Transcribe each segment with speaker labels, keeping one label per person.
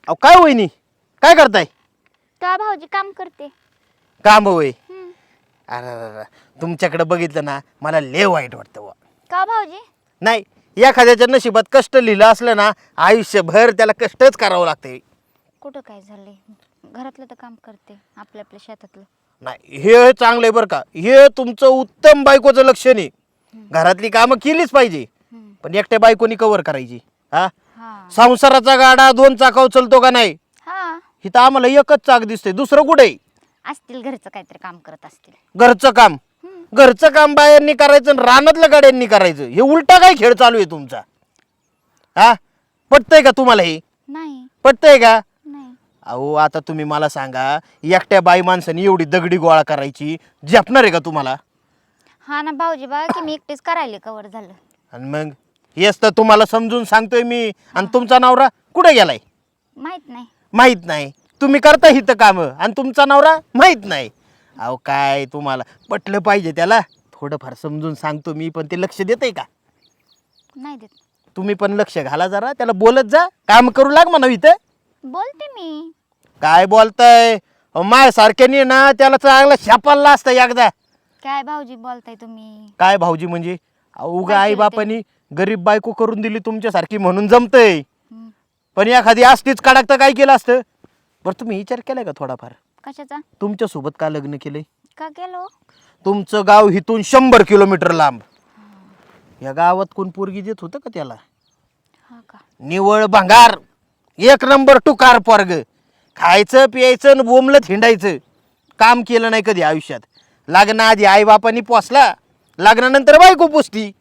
Speaker 1: अहो काय वहिनी, काय करताय?
Speaker 2: तेव्हा भाऊजी काम करते.
Speaker 1: काम होय. अरे अरे, तुमच्याकडे बघितलं ना मला लय वाईट वाटतं बुवा.
Speaker 2: का भाऊजी?
Speaker 1: नाही, एखाद्याच्या नशिबात कष्ट लिहिलं असलं ना आयुष्यभर त्याला कष्टच करावं लागते.
Speaker 2: कुठं काय झालंय? घरातलं तर काम करते, आपल्या आपल्या शेतातलं.
Speaker 1: नाही, हे चांगलं आहे बरं का. हे तुमचं उत्तम बायकोचं लक्षण आहे. घरातली कामं केलीच पाहिजे, पण एकट्या बायकोनी कव्हर करायची. हा,
Speaker 2: हा
Speaker 1: संसाराचा गाडा दोन चाकाव चलतो का नाही?
Speaker 2: हा
Speaker 1: इथं आम्हाला एकच चाक दिसते, दुसरं कुठे?
Speaker 2: असतील घरचं काहीतरी काम करत असतील.
Speaker 1: घरचं काम. घरचं काम बायांनी करायचं आणि रानातलं गाड्यांनी करायचं, हे उलटा काय खेळ चालू आहे तुमचा? हा, पटतंय का तुम्हाला? हे
Speaker 2: नाही
Speaker 1: पटतंय का?
Speaker 2: नाही
Speaker 1: अहो आता तुम्ही मला सांगा, एकट्या बाई माणसाने एवढी दगडी गोळा करायची झेपणार आहे का तुम्हाला?
Speaker 2: हा ना भाऊजी, बघा की मी एकटीच करायले कवर झालं.
Speaker 1: आणि मग हेच तर तुम्हाला समजून सांगतोय मी. आणि तुमचा नवरा कुठे गेलाय?
Speaker 2: माहित नाही.
Speaker 1: माहित नाही. तुम्ही करता हिथं कामं आणि तुमचा नवरा माहित नाही. अहो काय तुम्हाला पटलं पाहिजे त्याला. थोडंफार समजून सांगतो मी, पण ते लक्ष देतंय का?
Speaker 2: नाही देत.
Speaker 1: तुम्ही पण लक्ष घाला जरा, त्याला बोलत जा, काम करू लाग म्हणा इथं.
Speaker 2: बोलते मी.
Speaker 1: काय बोलताय? माय सारख्याने ना त्याला चांगला शापाला असतं एकदा.
Speaker 2: काय भाऊजी बोलताय तुम्ही?
Speaker 1: काय भाऊजी म्हणजे? अहो
Speaker 2: काय
Speaker 1: आई
Speaker 2: केलं
Speaker 1: बापानी गरीब बायको करून दिली तुमच्यासारखी म्हणून जमतंय.
Speaker 2: हम्म.
Speaker 1: पण एखादी असतीच कडक तर काय केलं असतं? बरं तुम्ही विचार केलाय का थोडाफार?
Speaker 2: कशाचा?
Speaker 1: तुमच्या सोबत का लग्न केलंय?
Speaker 2: का केलो?
Speaker 1: तुमचं गाव इथून 100 किलोमीटर लांब. या गावात कोण पोरगी देत होतं का त्याला?
Speaker 2: हा का?
Speaker 1: निवळ भंगार, एक नंबर टुकार पोरग. खायचं प्यायचं आणि बोंबलत हिंडायचं. काम केलं नाही कधी आयुष्यात. लग्नाआधी आई बापानी पोसला, लग्नानंतर बायको पोसती.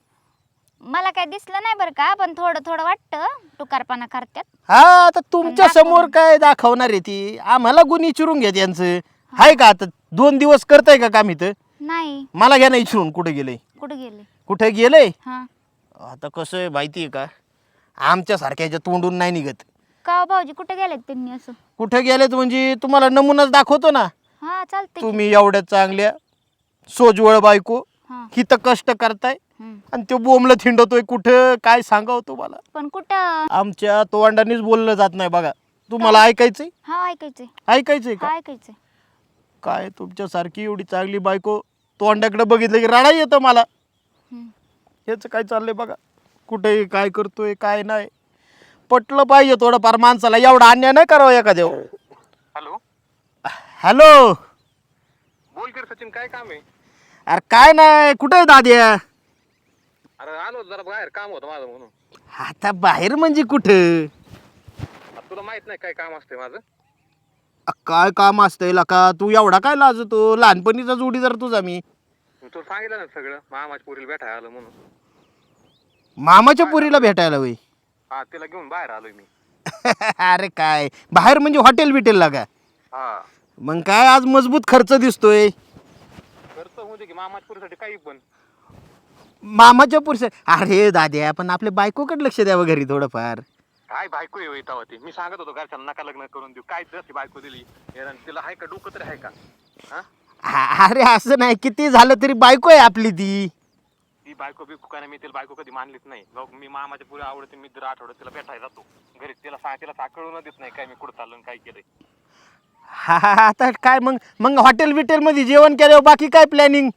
Speaker 2: मला काय दिसलं नाही बरं का, पण थोडं थोडं वाटतं टुकारपणा करतात.
Speaker 1: हा, आता तुमच्या समोर काय दाखवणार आहे ती? आम्हाला गुण विचारून घ्या त्यांचं. हाय का आता 2 दिवस करताय का काम इथं?
Speaker 2: नाही.
Speaker 1: मला घ्या ना विचारून, कुठे गेलंय?
Speaker 2: कुठे गेले?
Speaker 1: कुठे गेलंय?
Speaker 2: हा
Speaker 1: आता कसं आहे माहिती आहे का, आमच्या सारख्याच्या तोंडून नाही निघत.
Speaker 2: का हो भाऊजी, कुठे गेलेत त्यांनी असं?
Speaker 1: कुठे गेलेत म्हणजे तुम्हाला नमुनाच दाखवतो ना.
Speaker 2: हा चालते.
Speaker 1: तुम्ही एवढ्या चांगल्या सोजवळ बायको
Speaker 2: हा
Speaker 1: हिथं कष्ट करताय
Speaker 2: हम्म.
Speaker 1: आणि तो बोंबलं थिंडतोय कुठं, काय सांगावं तुम्हाला?
Speaker 2: पण कुठं?
Speaker 1: आमच्या तोंडानेच बोललं जात नाही बघा. तुम्हाला ऐकायचंय?
Speaker 2: हा ऐकायचंय.
Speaker 1: ऐकायचंय का?
Speaker 2: हा ऐकायचंय.
Speaker 1: काय तुमच्यासारखी एवढी चांगली बायको तोंडाकडे बघितलं की रडा येतं मला.
Speaker 2: हम्म.
Speaker 1: हेच काय चाललंय बघा, कुठे काय करतोय काय नाही. पटलं पाहिजे थोडंफार माणसाला, एवढा अन्याय नाही करावा एखाद्या.
Speaker 3: Hello,
Speaker 1: hello.
Speaker 3: बोल कर सचिन, काय काम आहे?
Speaker 1: अरे काय नाही, कुठे आहे दाद्या?
Speaker 3: अरे आलो जरा बाहेर, काम होतं माझं म्हणून.
Speaker 1: आता बाहेर म्हणजे कुठं?
Speaker 3: आता तुला माहित नाही काय काम असते माझं?
Speaker 1: काय काम असतंय का? तू एवढा काय लाजतो? लहानपणीचा जोडीदार तुझा मी.
Speaker 3: मी तुला सांगितलं ना सगळं, मामाच्या पोरीला भेटायला आलं म्हणून.
Speaker 1: मामाच्या पुरीला भेटायला वय?
Speaker 3: हा, तिला घेऊन बाहेर आलोय मी.
Speaker 1: अरे काय बाहेर म्हणजे हॉटेल बिटेल का?
Speaker 3: हा,
Speaker 1: मग काय आज मजबूत खर्च दिसतोय.
Speaker 3: खर्च होऊ दे की, मामाच्या पोरीसाठी काही पण.
Speaker 1: मामाच्या पुरुष. अरे दाद्या, पण आपल्या बायकोकडे लक्ष द्यावं घरी थोडंफार.
Speaker 3: काय बायको आहे तेव्हा ती? मी सांगत होतो घरच्यांना नका लग्न करून देऊ. काय जशी बायको दिली, तिला आहे का डोकं तरी आहे का? हा,
Speaker 1: अरे असं नाही, किती झालं तरी बायको आहे आपली ती.
Speaker 3: ती बायको बिकू का नाही, मी तिला बायको कधी मानलीच नाही. मी मामाच्या पुरी आवडते, मी दर आठवड्यात तिला भेटायला जातो घरी. तिला साकळून देत नाही काय मी कुठं चाललो आणि काय केलंय.
Speaker 1: हा आता काय मग मग हॉटेल बिटेल मध्ये जेवण केल्यावर बाकी काय प्लॅनिंग?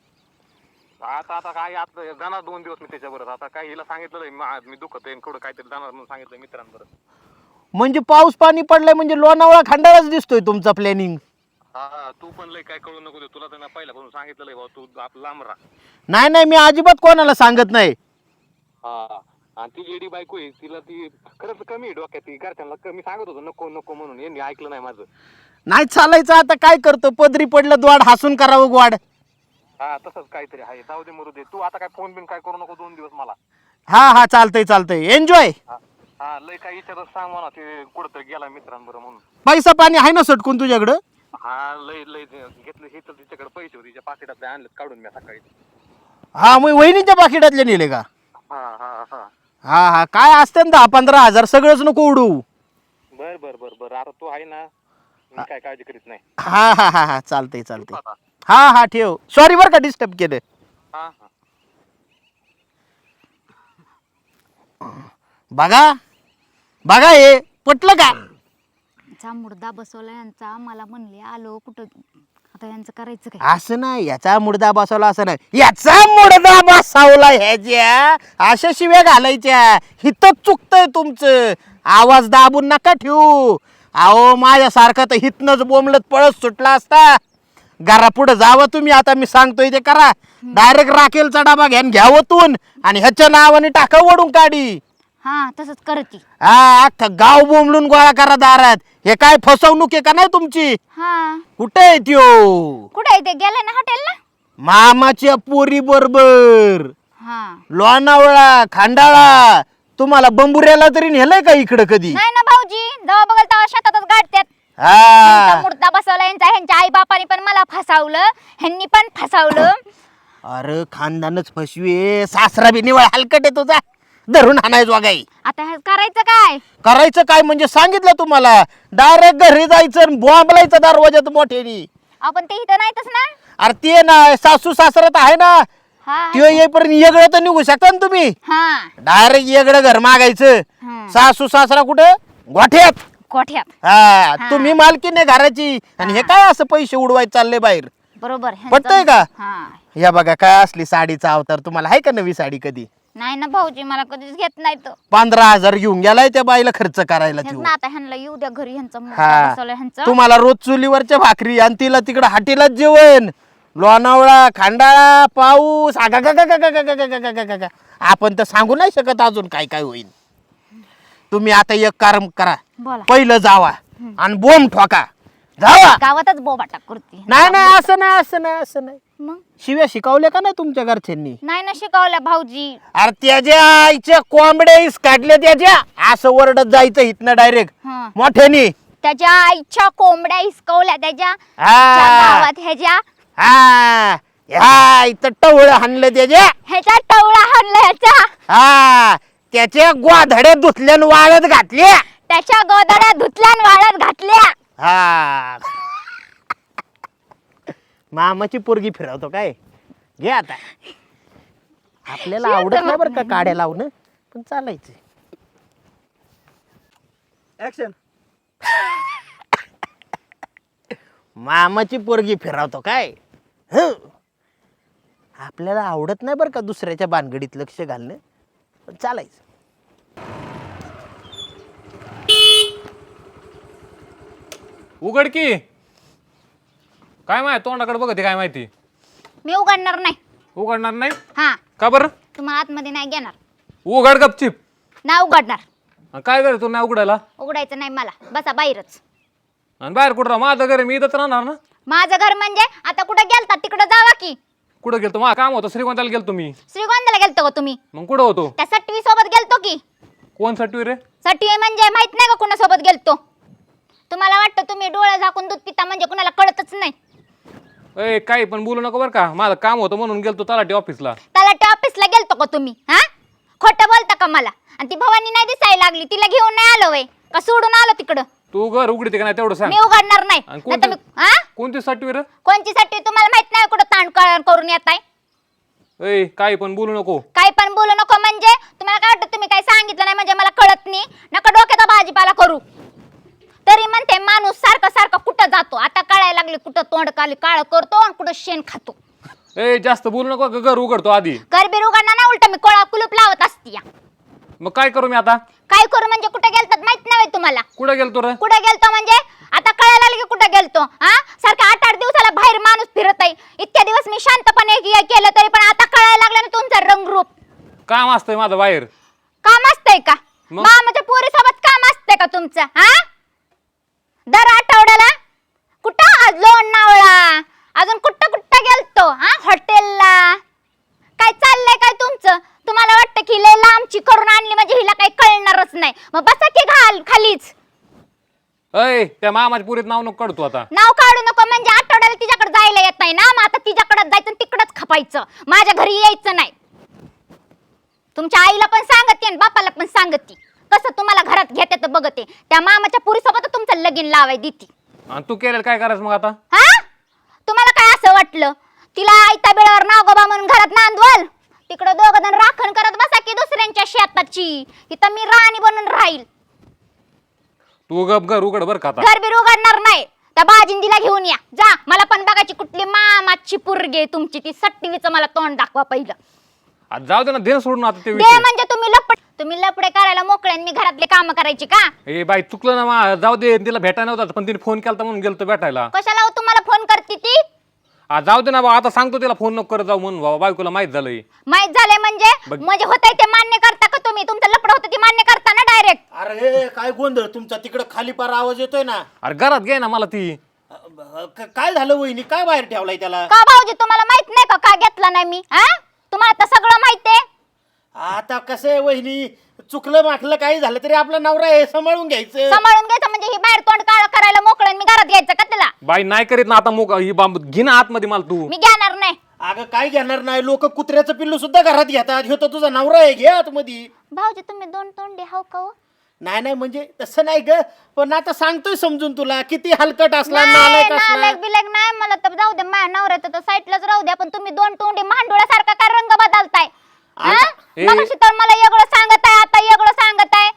Speaker 3: आता काय आता जाणार 2 दिवस मी त्याच्याबरोबर. आता काय हिला सांगितलं मी दुखत आहे कुठं काहीतरी जाणार म्हणून सांगितलं मित्रांबरोबर.
Speaker 1: म्हणजे पाऊस पाणी पडलाय म्हणजे लोणावळा खंडाळाच दिसतोय तुमचा प्लॅनिंग.
Speaker 3: हा, तू पण लय काय कळू नको दे. तुला तर पहिल्यापासून सांगितलं भाऊ, तू आपला लांब राहा.
Speaker 1: नाही नाही, मी अजिबात कोणाला सांगत नाही.
Speaker 3: हा, आणि ती जेडी बायको आहे, तिला ती खरंच कमी आहे डोक्यात. ती घरच्यांना कमी सांगत होतो नको नको म्हणून, यांनी ऐकलं नाही माझं.
Speaker 1: नाही चालायचं, आता काय करतो, पदरी पडलं द्वाड हसून करावं ग्वाड.
Speaker 3: हा, तसंच काहीतरी आहे. जाऊ दे मरू दे. तू आता काय फोन बिन काय करू नको 2 दिवस मला.
Speaker 1: हा हा, चालतंय चालतंय, एन्जॉय.
Speaker 3: हा, लय काय विचारत सांग म्हणा, ते कुठंतरी गेला मित्रांबरोबर म्हणून.
Speaker 1: पैसा पाणी आहे ना सटकून तुझ्याकडं?
Speaker 3: हा, लय लय घेतलं हे तर तिच्याकडे पैसे होते, तिच्या पाकिटातले आणलेत काढून मी सकाळी.
Speaker 1: हा, मग वहिनीच्या पाकिटातले नेले का?
Speaker 3: हा हा हा,
Speaker 1: हा हा, काय असते ना 10-15 हजार, सगळंच नको उडू.
Speaker 3: बर बर बर बर. आता तू आहे ना, मी काय काळजी करीत नाही.
Speaker 1: हा हा हा हा, चालतंय चालतंय.
Speaker 3: आता.
Speaker 1: हा हा, ठेव. सॉरी बरं का डिस्टर्ब केलं.
Speaker 3: हा हा.
Speaker 1: बघा बघा, हे पटलं का?
Speaker 2: यांचा मुर्दा बसवला यांचा, मला म्हणले आलो कुठं, आता यांचं करायचं काय?
Speaker 1: असं नाही, याचा मुडदा बसवला असं नाही, याचा मुडदा बसवला ह्याच्या, अशा शिव्या घालायच्या. हिथं चुकतंय तुमचं, आवाज दाबून नका ठेवू. अहो माझ्यासारखं तर हिथनच बोंबलत पळत सुटला असता. घरा पुढे जावं तुम्ही, आता मी सांगतोय ते करा. डायरेक्ट राखेलचा डबा घ्यान घ्यावतून आणि ह्याच्या नावाने टाका वडून काढी.
Speaker 2: हा तसंच करती.
Speaker 1: हा अख्खं गाव बोंबलून गोळा करा दारात. हे काय फसवणूक आहे का नाही तुमची?
Speaker 2: हा
Speaker 1: कुठे आहे त्यो?
Speaker 2: कुठे ते गेले ना हॉटेलला?
Speaker 1: मामाच्या पोरी बरोबर
Speaker 2: हा
Speaker 1: लोणावळा खांडाळा. तुम्हाला बंबुऱ्याला तरी नेलंय का इकडं कधी?
Speaker 2: नाही ना भाऊजी, जेव्हा बघल तेव्हा शेतातच गाडत्यात.
Speaker 1: हा
Speaker 2: मुर्दा बसवला यांचा, ह्यांच्या आई बापाने पण मला फसावलं, ह्यांनी पण फसावलं.
Speaker 1: अरे खानदानच फसवे, सासरा बी निवळ हलकट आहे तुझा, धरून हाणायच वागाई.
Speaker 2: आता हे करायचं काय?
Speaker 1: करायचं काय म्हणजे सांगितलं तुम्हाला, डायरेक्ट घरी जायचं, बॉम्बलायचं दरवाजात मोठ्यानी.
Speaker 2: आपण ते इथं नाहीतच ना.
Speaker 1: अरे ते ना सासू सासरा तर आहे ना,
Speaker 2: हा
Speaker 1: त्यो येईपर्यंत येगळं तर निघू शकता ना तुम्ही.
Speaker 2: हा
Speaker 1: डायरेक्ट येगळं घर मागायचं.
Speaker 2: हं.
Speaker 1: सासू सासरा कुठे? गोठ्यात.
Speaker 2: कोठ्यात.
Speaker 1: हा
Speaker 2: हा.
Speaker 1: तुम्ही मालकीण आहे घराची, आणि हे काय असं पैसे उडवायचे चालले बाहेर?
Speaker 2: बरोबर ह्यांचं-
Speaker 1: पटतंय का?
Speaker 2: हा
Speaker 1: या बघा काय असली साडीचा अवतार. तुम्हाला आहे का नवी साडी कधी?
Speaker 2: नाही ना भाऊजी, मला कधीच घेत नाही तो.
Speaker 1: 15,000 घेऊन गेलाय त्या बाईला खर्च करायला
Speaker 2: हेच
Speaker 1: त्यो.
Speaker 2: ना, आता ह्यांना येऊ द्या घरी, ह्यांचं मुर्दा
Speaker 1: हा
Speaker 2: बसवलं ह्यांचं.
Speaker 1: तुम्हाला रोज चुलीवरच्या भाकरी आणि तिला तिकडं हाटीलाच जेवण. लोणावळा खांडाळा पाऊस आगागागागागागागागागागागा. आपण तर सांगू नाही शकत अजून काय काय होईल. तुम्ही आता एक काम करा,
Speaker 2: बोला.
Speaker 1: पहिलं जावा आणि बोंब ठोका. जावा.
Speaker 2: गावातच बोबाटा करते.
Speaker 1: नाही नाही असं नाही, असं नाही, असं नाही.
Speaker 2: मग
Speaker 1: शिव्या शिकवल्या का नाही तुमच्या घरच्यांनी?
Speaker 2: नाही ना शिकवल्या भाऊजी.
Speaker 1: अरे त्याच्या आईच्या कोंबड्या काढल्या त्याच्या, असं ओरडत जायचं इथनं डायरेक्ट
Speaker 2: हा.
Speaker 1: मोठ्यानी.
Speaker 2: त्याच्या आईच्या कोंबड्या हिसकवल्या त्याच्या
Speaker 1: हा
Speaker 2: गावात, ह्याच्या
Speaker 1: हा ह्या इथं टवळ हाणलं त्याच्या.
Speaker 2: ह्याचा टवळा हाणला ह्याचा,
Speaker 1: हा त्याच्या गोधड्या धुतल्यान वाळत घातल्या.
Speaker 2: त्याच्या गोदड्या धुतल्यान वाळत घातल्या.
Speaker 1: हा मामाची पोरगी फिरवतो काय? घे आता. आपल्याला आवडत नाही बरं का काड्या लावणं, पण चालायचं.
Speaker 4: ऍक्शन.
Speaker 1: मामाची पोरगी फिरवतो काय? हं. आपल्याला आवडत नाही बरं का दुसऱ्याच्या भानगडीत लक्ष घालणं, पण चालायचं.
Speaker 3: उघड की. काय माहिती तोंडाकडे बघते, काय माहिती?
Speaker 2: मी उघडणार नाही.
Speaker 3: उघडणार नाही
Speaker 2: हा
Speaker 3: का बरं?
Speaker 2: तुम्हाला आतमध्ये नाही घेणार.
Speaker 3: उघड गपचिप.
Speaker 2: नाही उघडणार.
Speaker 3: आणि काय करे तू नाही उघडायला?
Speaker 2: उघडायचं नाही मला, बसा बाहेरच.
Speaker 3: आणि बाहेर कुठं राहा? माझं घर आहे, मी इथंच राहणार ना.
Speaker 2: माझं घर म्हणजे आता कुठं गेलता तिकडं जावा की.
Speaker 3: कुठं गेलतो? माझं काम होतं, श्रीगोंद्याला गेलतो मी.
Speaker 2: श्रीगोंद्याला गेलतो का तुम्ही?
Speaker 3: मग कुठं होतो?
Speaker 2: त्या सटवी सोबत गेलतो की.
Speaker 3: कोण सटवी रे?
Speaker 2: सटवी म्हणजे माहित नाही का कुणासोबत गेलतो? तुम्हाला वाटतं तुम्ही डोळे झाकून दूध पिता म्हणजे कुणाला कळतच नाही.
Speaker 3: ए काही पण बोलू नको बरं का. माझं काम होतं म्हणून गेलतो तलाठी ऑफिसला.
Speaker 2: त्याला त्या ऑफिसला गेलतो का तुम्ही? हा खोटं बोलता का मला? आणि ती भवानी नाही दिसायला लागली, तिला घेऊन नाही आलो वय का सोडून आलो तिकडं?
Speaker 3: तू घर उघडते का नाही तेवढं सांग.
Speaker 2: मी उघडणार नाही.
Speaker 3: आणि
Speaker 2: नाहीतर मी हा
Speaker 3: कोणती सटवी रे?
Speaker 2: कोणची सटवी तुम्हाला माहित नाही कुठं ताण करून येताय?
Speaker 3: ए काही पण बोलू नको.
Speaker 2: काय पण बोलू नको म्हणजे तुम्हाला काय वाटतं तुम्ही काय सांगितलं नाही म्हणजे मला कळत नाही? नका डोक्याचा भाजीपाला करू. तरी म्हणते माणूस सारखं सारखं कुठं जातो, आता कळायला लागले कुठं तोंड काळ करतो आणि कुठं शेण खातो.
Speaker 3: ए जास्त बोलू नको, घर उघडतो आधी.
Speaker 2: गरबीर उघडणार ना, उलट मी कोळा कुलूप लावत असती.
Speaker 3: मग काय करू मी आता?
Speaker 2: काय करू म्हणजे कुठे गेलतात माहित नाही तुम्हाला?
Speaker 3: कुठं गेलतो रे?
Speaker 2: कुठे गेलतो म्हणजे आता कळायला लागले की कुठे गेलतो. हा सारखं 8-8 दिवसाला बाहेर माणूस फिरत आहे. इतक्या दिवस मी शांतपणे केलं तरी पण आता कळायला लागलं ना तुमचं रंगरूप.
Speaker 3: काम असतंय माझं बाहेर.
Speaker 2: काम असतंय का?
Speaker 3: मग?
Speaker 2: मामाच्या पोरीसोबत काम असतंय का तुमचं? हा दर आठवड्याला कुठं आज लोणावळा, अजून कुठं कुठं गेलतो? हा हॉटेलला. काय चाललंय काय तुमचं? तुम्हाला वाटतं की लय लांबची करून आणली म्हणजे हिला काही कळणारच नाही. मग बसा की खालीच.
Speaker 3: अय त्या मामाच्या पुरीत नाव नको काढतो आता.
Speaker 2: नाव काढू नको म्हणजे आठवड्याला तिच्याकडे जायला येत नाही ना, मग आता तिच्याकडे जायचं आणि तिकडच खपायचं, माझ्या घरी यायचं नाही. तुमच्या आईला पण सांगते आणि बापाला पण सांगते कसं तुम्हाला घरात घेते तर बघते. त्या मामाच्या पुरीसोबत तुमचं लगीन लावाय देती.
Speaker 3: आणि तू केलेलं काय करायचं मग आता?
Speaker 2: हा तुम्हाला काय असं वाटलं तिला आयत्या बेळावर नागोबा म्हणून घरात नांदवल? तिकडं दोघं जण राखण करत बसा की दुसऱ्यांच्या शेताची. इथं मी राणी बनून राहील.
Speaker 3: तू गप घर उघड बर का आता.
Speaker 2: घर बीर उघडणार नाही. त्या बाजिंदीला घेऊन या जा. मला पण बघायची कुठली मामाची पोरगी तुमची ती सट्टीवीचं मला तोंड दाखवा पहिलं.
Speaker 3: आज जाऊ दे ना, दे सोडून आता ते
Speaker 2: दे
Speaker 3: विषय.
Speaker 2: म्हणजे तुम्ही लपडे करायला मोकळे आणि मी घरातले काम करायची का?
Speaker 3: ए बाई चुकलं ना जाऊ दे. तिला भेटायला नव्हता पण तिने फोन केला म्हणून गेलतो भेटायला.
Speaker 2: कशाला हो तुम्हाला फोन करते ती?
Speaker 3: आज जाऊ दे ना बा, आता सांगतो तिला फोन नको करत जाऊ म्हणून बाबा, बायकोला माहित झालंय.
Speaker 2: माहित झालंय म्हणजे होतंय ते मान्य करता का तुम्ही? तुमचं लपड होतं ते मान्य करता ना डायरेक्ट?
Speaker 1: अरे काय गोंधळ तुमचा तिकडं खाली पार आवाज येतोय ना.
Speaker 3: अरे घरात घे ना मला ती.
Speaker 1: काय झालं वहिनी, काय बाहेर ठेवलाय त्याला?
Speaker 2: का भाऊजी तुम्हाला माहित नाही का घेतला नाही मी? हा तुम्हाला तर सगळं माहितीये.
Speaker 1: आता कसं आहे वहिनी, चुकलं माकलं काही झालं तरी आपला नवरा आहे, सांभाळून घ्यायचं.
Speaker 2: सांभाळून घ्यायचं म्हणजे ही बाहेर तोंड काळ करायला मोकळं आणि मी घरात घ्यायचं का तिला?
Speaker 3: बाई नाही करीत ना आता ही बांब घे ना आतमध्ये मला तू.
Speaker 2: मी घेणार नाही.
Speaker 1: अगं काय घेणार नाही, लोक कुत्र्याचं पिल्लू सुद्धा घरात घेतात. ह्यो तर तुझा नवरा आहे, घे आतमध्ये.
Speaker 2: भाऊजी तुम्ही दोन तोंडे हाव का हो?
Speaker 1: नाही नाही म्हणजे तसं नाही ग, पण आता सांगतोय समजून तुला, किती हलकट असला
Speaker 2: नाही,
Speaker 1: नालायक असला.
Speaker 2: नालायक बिलायक नाही मला तर जाऊ दे. माझ्या नवऱ्याचं तर साईडलाच राहू द्या. पण तुम्ही दोन तोंडे मांडोळ्यासारखा काय रंग बदलताय?
Speaker 3: ए.
Speaker 2: मगाशी तर मला वेगळं सांगत आहे, आता वेगळं सांगत आहे.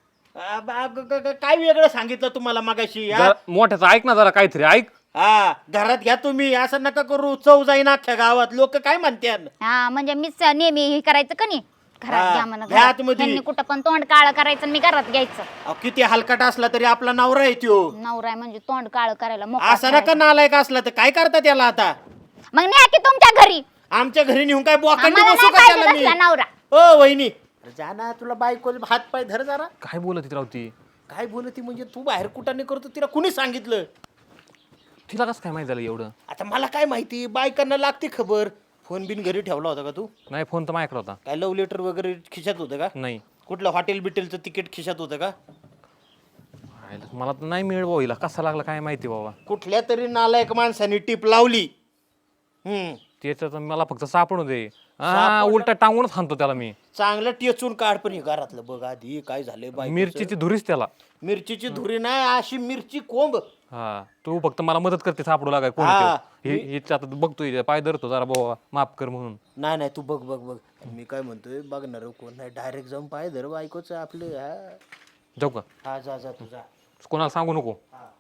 Speaker 1: काय वेगळं सांगितलं तुम्हाला मगाशी? हा?
Speaker 3: जरा मोठ्याचं ऐक ना जरा काहीतरी ऐक.
Speaker 1: हा घरात घ्या तुम्ही, असं नका करू. चव जाईन अख्ख्या गावात, लोक काय म्हणतात.
Speaker 2: हा म्हणजे मीच नेहमी हे करायचं का नाही?
Speaker 1: हा,
Speaker 2: घरात घ्या म्हणा.
Speaker 1: घ्या आतमध्ये.
Speaker 2: त्यांनी कुठं पण तोंड काळ करायचं आणि मी घरात घ्यायचं.
Speaker 1: अहो, किती हलकट असला तरी आपला नवरा आहे त्यो.
Speaker 2: नवरा आहे म्हणजे तोंड काळ करायला मोकळा
Speaker 1: असं नका
Speaker 2: करायचं.
Speaker 1: नालायक असला तर काय करता त्याला आता?
Speaker 2: मग न्या की तुमच्या घरी.
Speaker 1: आमच्या घरी नेऊन काय बोकांडी
Speaker 2: आम्हाला
Speaker 1: बसू
Speaker 2: नाही
Speaker 1: का
Speaker 2: पाहिजे
Speaker 1: त्याला मी?
Speaker 2: तसला नवरा.
Speaker 1: ओ वहिनी जा ना, तुला बायको हात पाय धर जरा.
Speaker 3: काय बोलत राहती?
Speaker 1: काय बोलती म्हणजे? तू बाहेर कुठाने करतो, तिला कुणी सांगितलं?
Speaker 3: तिला कसं काय माहित झालं एवढं?
Speaker 1: आता मला काय माहिती, बायकांना लागते खबर. फोन बिन घरी ठेवला होता का तू?
Speaker 3: नाही फोन तर माझ्याकडे होता.
Speaker 1: काय लव्ह लेटर वगैरे खिशात होतं का?
Speaker 3: नाही.
Speaker 1: कुठलं हॉटेल बिटेलचं तिकीट खिशात होतं का?
Speaker 3: मला तर नाही मिळ हिला कसा लागला काय माहिती बाबा.
Speaker 1: कुठल्या तरी नालायक माणसाने टीप लावली.
Speaker 3: त्याचं तर मला फक्त सापडू दे. हा उलटा टांगूनच हाणतो त्याला मी.
Speaker 1: चांगलं टेचून काढ. पण हे घरातलं बघ आधी काय झालंय. बाई
Speaker 3: मिरचीची धुरीच त्याला.
Speaker 1: मिरचीची धुरी नाही, अशी मिरची कोंब.
Speaker 3: हा तू फक्त मला मदत करते सापडू लागाय कोण
Speaker 1: हा.
Speaker 3: हिच्या आता बघतोय पाय धरतो जरा बाबा माफ कर म्हणून.
Speaker 1: नाही नाही तू बघ बघ बघ. मी काय म्हणतोय, बघणार कोण नाही, डायरेक्ट जाऊन पाय धर बायकोच आपलं. हा
Speaker 3: जाऊ का?
Speaker 1: हा जा जा तू जा.
Speaker 3: कोणाला सांगू नको.
Speaker 1: हा